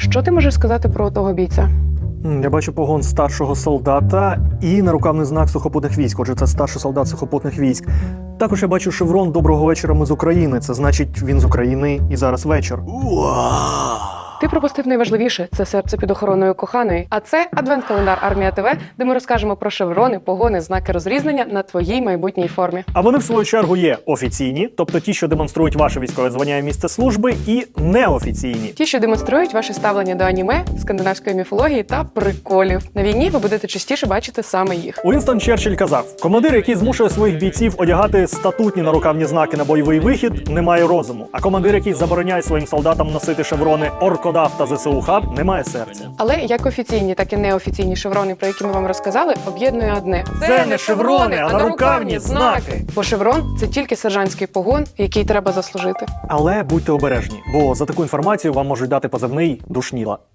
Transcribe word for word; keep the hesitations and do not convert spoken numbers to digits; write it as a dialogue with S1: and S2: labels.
S1: Що ти можеш сказати про того бійця?
S2: М, Я бачу погон старшого солдата і нарукавний знак сухопутних військ. Отже, це старший солдат сухопутних військ. Також я бачу шеврон «Доброго вечора, ми з України». Це значить, він з України і зараз вечір.
S1: Ти пропустив найважливіше – це серце під охороною коханої. А це адвент-календар Армія ТВ, де ми розкажемо про шеврони, погони, знаки розрізнення на твоїй майбутній формі.
S2: А вони, в свою чергу, є офіційні, тобто ті, що демонструють ваше військове звання і місце служби, і неофіційні.
S1: Ті, що демонструють ваше ставлення до аніме, скандинавської міфології та приколів. На війні ви будете частіше бачити саме їх.
S2: Уінстон Черчилль казав: командир, який змушує своїх бійців одягати статутні нарукавні знаки на бойовий вихід, не має розуму. А командир, який забороняє своїм солдатам носити шеврони «Оркодав» та ЗСУ Хаб, не має серця.
S1: Але як офіційні, так і неофіційні шеврони, про які ми вам розказали, об'єднує одне.
S2: Це не шеврони, а нарукавні знаки.
S1: Бо шеврон – це тільки сержантський погон, який треба заслужити.
S2: Але будьте обережні, бо за таку інформацію вам можуть дати позивний «душніла».